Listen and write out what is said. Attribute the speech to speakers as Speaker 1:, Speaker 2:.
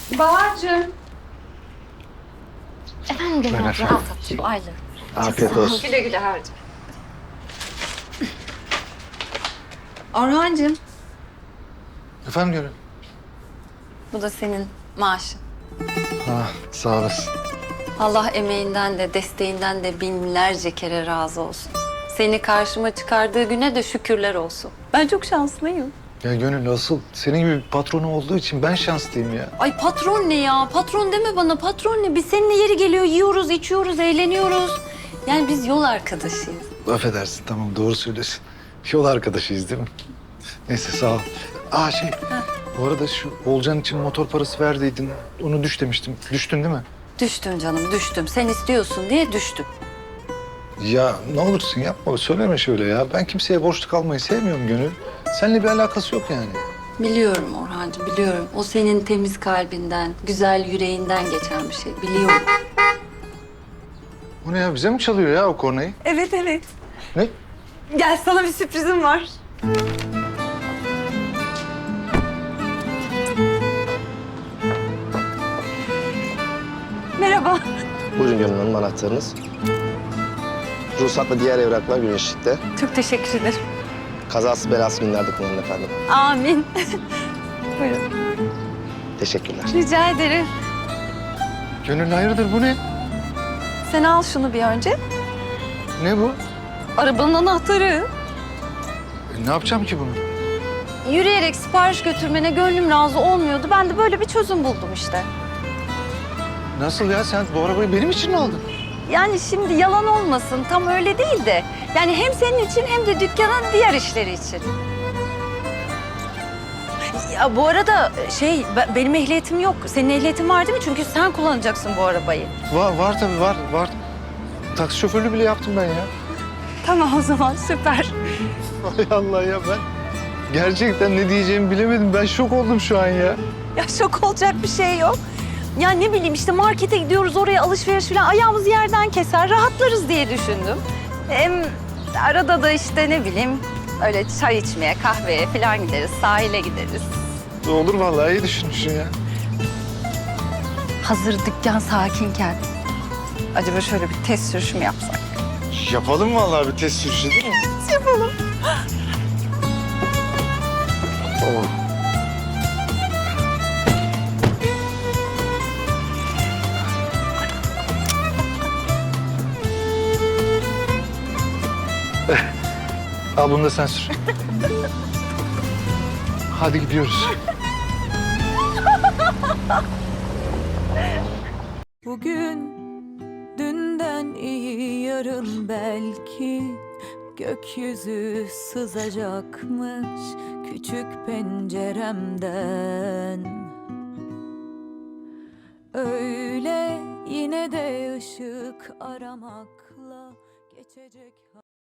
Speaker 1: Bahar'cığım.
Speaker 2: Efendim Gönül
Speaker 3: Ben
Speaker 2: abla.
Speaker 3: efendim.
Speaker 2: Al tatlım, Ayla.
Speaker 3: Afiyet olsun.
Speaker 1: Güle güle harcım. Orhancığım.
Speaker 3: Efendim Gönül?
Speaker 2: Bu da senin maaşın.
Speaker 3: Sağ olasın.
Speaker 2: Allah emeğinden de desteğinden de binlerce kere razı olsun. Seni karşıma çıkardığı güne de şükürler olsun. Ben çok şanslıyım.
Speaker 3: Ya Gönül asıl senin gibi bir patronu olduğu için ben şanslıyım ya.
Speaker 2: Ay patron ne ya? Patron deme bana. Patron ne? Biz seninle yeri geliyor yiyoruz, içiyoruz, eğleniyoruz. Yani biz yol arkadaşıyız.
Speaker 3: Affedersin tamam doğru söylüyorsun. Yol arkadaşıyız değil mi? Neyse sağ ol. Bu arada şu Olcan için motor parası verdiydin. Onu düş demiştim. Düştün değil mi?
Speaker 2: Düştüm canım, düştüm. Sen istiyorsun diye düştüm.
Speaker 3: Ya ne olursun yapma söyleme şöyle ya. Ben kimseye borçlu kalmayı sevmiyorum Gönül. Seninle bir alakası yok yani.
Speaker 2: Biliyorum Orhancığım, biliyorum. O senin temiz kalbinden, güzel yüreğinden geçen bir şey. Biliyorum.
Speaker 3: Bu ne ya bize mi çalıyor ya o kornayı?
Speaker 1: Evet evet.
Speaker 3: Ne?
Speaker 1: Gel sana bir sürprizim var. Merhaba.
Speaker 4: Buyurun Gönül Hanım anahtarınız. Ruhsat ve diğer evraklar güneşlikte.
Speaker 1: Çok teşekkür ederim.
Speaker 4: Kazası belası günlerde kullanın efendim.
Speaker 1: Amin. Buyurun.
Speaker 4: Teşekkürler.
Speaker 1: Rica ederim.
Speaker 3: Gönül hayırdır bu ne?
Speaker 1: Sen al şunu bir önce.
Speaker 3: Ne bu?
Speaker 1: Arabanın anahtarı.
Speaker 3: Ne yapacağım ki bunu?
Speaker 1: Yürüyerek sipariş götürmene gönlüm razı olmuyordu. Ben de böyle bir çözüm buldum işte.
Speaker 3: Nasıl ya sen bu arabayı benim için mi aldın?
Speaker 1: Yani şimdi yalan olmasın tam öyle değil de. Yani hem senin için hem de dükkanın diğer işleri için. Ya bu arada benim ehliyetim yok. Senin ehliyetin var değil mi? Çünkü sen kullanacaksın bu arabayı.
Speaker 3: Var tabii var. Taksi şoförlüğü bile yaptım ben ya.
Speaker 1: Tamam o zaman süper.
Speaker 3: Hay Allah ya ben gerçekten ne diyeceğimi bilemedim. Ben şok oldum şu an ya.
Speaker 1: Ya şok olacak bir şey yok. Ya ne bileyim işte markete gidiyoruz oraya alışveriş falan ayağımız yerden keser rahatlarız diye düşündüm. Hem arada da işte ne bileyim öyle çay içmeye kahveye falan gideriz sahile gideriz.
Speaker 3: Olur vallahi iyi düşünmüşsün ya.
Speaker 1: Hazır dükkan sakinken acaba şöyle bir test sürüşü mü yapsak?
Speaker 3: Yapalım vallahi bir test sürüşü değil mi?
Speaker 1: Yapalım.
Speaker 3: Oh. Al bunu da sen sür. Hadi gidiyoruz.
Speaker 5: Bugün dünden iyi yarın belki gökyüzü sızacakmış küçük penceremden. Öyle yine de ışık aramakla geçecek.